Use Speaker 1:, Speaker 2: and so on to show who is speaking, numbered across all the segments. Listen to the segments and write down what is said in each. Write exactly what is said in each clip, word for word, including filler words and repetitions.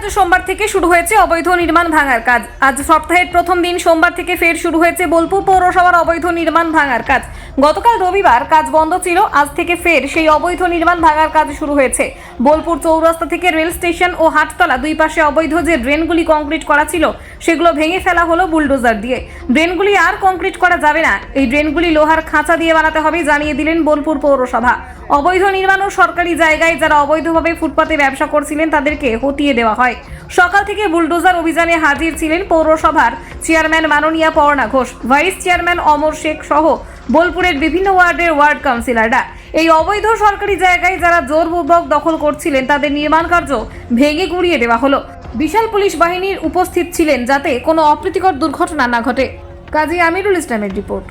Speaker 1: রাজ্যে সোমবার থেকে শুরু হয়েছে অবৈধ নির্মাণ ভাঙার কাজ। আজ সপ্তাহের প্রথম দিন সোমবার থেকে ফের শুরু হয়েছে বোলপুর পৌরসভার অবৈধ নির্মাণ ভাঙার কাজ। গতকাল রবিবার কাজ বন্ধ ছিল, আজ থেকে ফের সেই অবৈধ নির্মাণ ভাঙার কাজ শুরু হয়েছে। বোলপুর চৌরাস্তা থেকে রেল স্টেশন ও হাটতলা দুই পাশে অবৈধ যে ড্রেনগুলি কংক্রিট করা ছিল সেগুলো ভেঙে ফেলা হলো বুলডোজার দিয়ে। ড্রেনগুলি আর কংক্রিট করা যাবে না, এই ড্রেনগুলি লোহার খাঁচা দিয়ে বানাতে হবে জানিয়ে দিলেন বোলপুর পৌরসভা। অবৈধ নির্মাণ ও সরকারি জায়গায় যারা অবৈধভাবে ফুটপাতে ব্যবসা করছিলেন তাদেরকে হটিয়ে দেওয়া হয়। সকাল থেকে বুলডোজার অভিযানে হাজির ছিলেন পৌরসভার চেয়ারম্যান মাননীয়া পর্ণা ঘোষ, ভাইস চেয়ারম্যান অমর শেখ সহ বোলপুরের বিভিন্ন ওয়ার্ডের ওয়ার্ড কাউন্সিলররা। এই অবৈধ সরকারি জায়গায় যারা জোরপূর্বক দখল করছিলেন তাদের নির্মাণ কার্য ভেঙে গুঁড়িয়ে দেওয়া হলো। বিশাল পুলিশ বাহিনীর উপস্থিত ছিলেন যাতে কোনো অপ্রীতিকর দুর্ঘটনা না ঘটে। কাজী আমিরুল ইসলামের রিপোর্ট।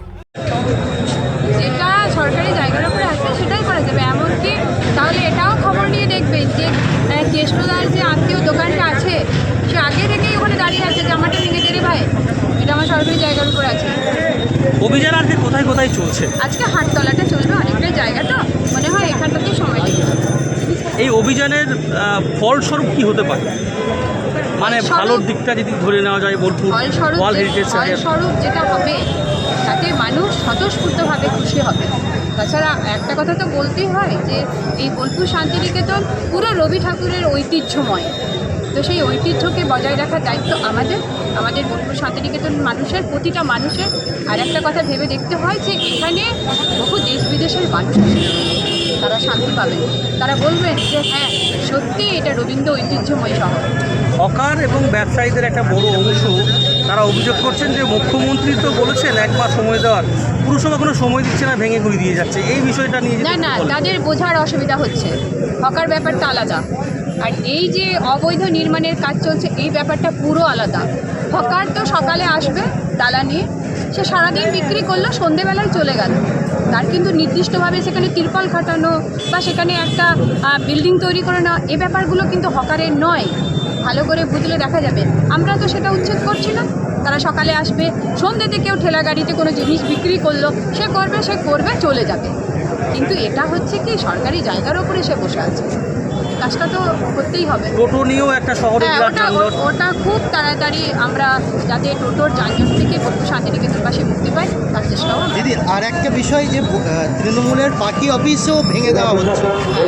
Speaker 2: যেটা সরকারি জায়গার উপরে আছে সেটাই করা যাবে, এমনকি তাহলে এটাও খবর নিয়ে দেখবেন যে কৃষ্ণদার যে আত্মীয় দোকানটা আছে সে আগে থেকেই ওখানে দাঁড়িয়ে আছে যে আমারটা ভেঙে দে রে ভাই, এটা আমার সরকারি জায়গার উপর আছে।
Speaker 3: অভিযান আজকে কোথায় কোথায় চলছে?
Speaker 2: আজকে হাটতলাটা চলবে, অনেকটাই জায়গা তো মনে হয় এখানটাতেই সময় লেগে যাবে।
Speaker 3: এই অভিযানের ফলস্বরূপ কি হতে পারে? মানে ভালোর দিকটা যদি ধরে নেওয়া যায়, বোলপুর ওয়ার্ল্ড হেরিটেজ
Speaker 2: ফলস্বরূপ যেটা হবে তাতে মানুষ স্বতঃস্ফূর্তভাবে খুশি হবে। তাছাড়া একটা কথা তো বলতেই হয় যে এই বোলপুর শান্তিনিকেতন পুরো রবি ঠাকুরের ঐতিহ্যময়, তো সেই ঐতিহ্যকে বজায় রাখার দায়িত্ব আমাদের আমাদের বোলপুর শান্তিনিকেতন মানুষের, প্রতিটা মানুষের। আর একটা কথা ভেবে দেখতে হয় যে এখানে বহু দেশ বিদেশের মানুষ আসে, তারা শান্তি পাবেন, তারা বলবেন যে হ্যাঁ সত্যি এটা রবীন্দ্র ঐতিহ্যময় শহর।
Speaker 3: হকার এবং ব্যবসায়ীদের একটা বড় অংশ তারা অভিযোগ করছেন যে মুখ্যমন্ত্রী তো বলেছেন এক মাস সময় দেওয়ার, পুরসভা কোনো সময় দিচ্ছে না, ভেঙে ঘুরিয়ে দিয়ে যাচ্ছে। এই বিষয়টা নিয়ে
Speaker 2: না না তাদের বোঝার অসুবিধা হচ্ছে, হকার ব্যাপারটা আলাদা আর এই যে অবৈধ নির্মাণের কাজ চলছে এই ব্যাপারটা পুরো আলাদা। হকার তো সকালে আসবে ডালা নিয়ে, সে সারাদিন বিক্রি করলো, সন্ধেবেলায় চলে গেল, তার কিন্তু নির্দিষ্টভাবে সেখানে তিরপল খাটানো বা সেখানে একটা বিল্ডিং তৈরি করে নেওয়া এই ব্যাপারগুলো কিন্তু হকারের নয়। ভালো করে বুঝলে দেখা যাবে। আমরা তো সেটা উচ্ছেদ করছি না, তারা সকালে আসবে, সন্ধ্যেতে কেউ ঠেলা গাড়িতে কোনো জিনিস বিক্রি করলো, সে করবে সে করবে চলে যাবে, কিন্তু এটা হচ্ছে কি সরকারি জায়গার ওপরে সে বসে আছে, কাজটা তো করতেই হবে।
Speaker 3: টোটো নিয়েও একটা শহরে
Speaker 2: ওটা ওটা খুব তাড়াতাড়ি আমরা যাতে টোটোর যানজট থেকে বোলপুর শান্তিনিকেতনবাসী মুক্তি পাই তার চেষ্টাও।
Speaker 4: দিদি আর একটা বিষয় যে তৃণমূলের পার্টি অফিসও ভেঙে দেওয়া হচ্ছে,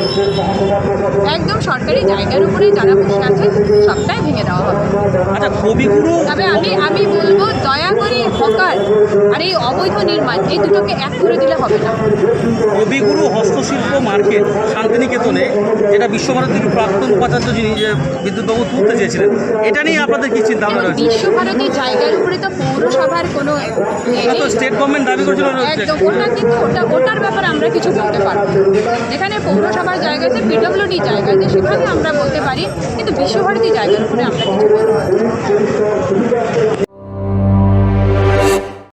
Speaker 2: একদম সরকারি জায়গার উপরে যারা বসে আছে সবটাই ভেঙে দেওয়া হবে।
Speaker 3: আচ্ছা, কবিগুরু
Speaker 2: তবে আমি আমি বলবো দয়া করে হকার আর এই অবৈধ নির্মাণ এই দুটোকে এক করে দিলে হবে না।
Speaker 3: কবিগুরু হস্তশিল্প মার্কেট শান্তিনিকেতনে, যেটা বিশ্বভারতীর প্রাক্তন উপাচার্য যিনি যে বিদ্যুৎবাবু তুলতে চেয়েছিলেন, এটা নিয়ে আপনাদের কি চিন্তা ভাবনা রয়েছে?
Speaker 2: বিশ্বভারতী জায়গার উপরে তো পৌরসভার কোনো
Speaker 3: স্টেট গভর্নমেন্ট দাবি করেছিল
Speaker 2: একদম, ওটা কিন্তু ওটা ওটার ব্যাপারে আমরা কিছু বলতে পারবো। যেখানে পৌরসভার জায়গাতে পিডব্লিউডি জায়গাতে সেখানে আমরা বলতে পারি, কিন্তু বিশ্বভারতী জায়গার উপরে আমরা কিছু বলতে পারি।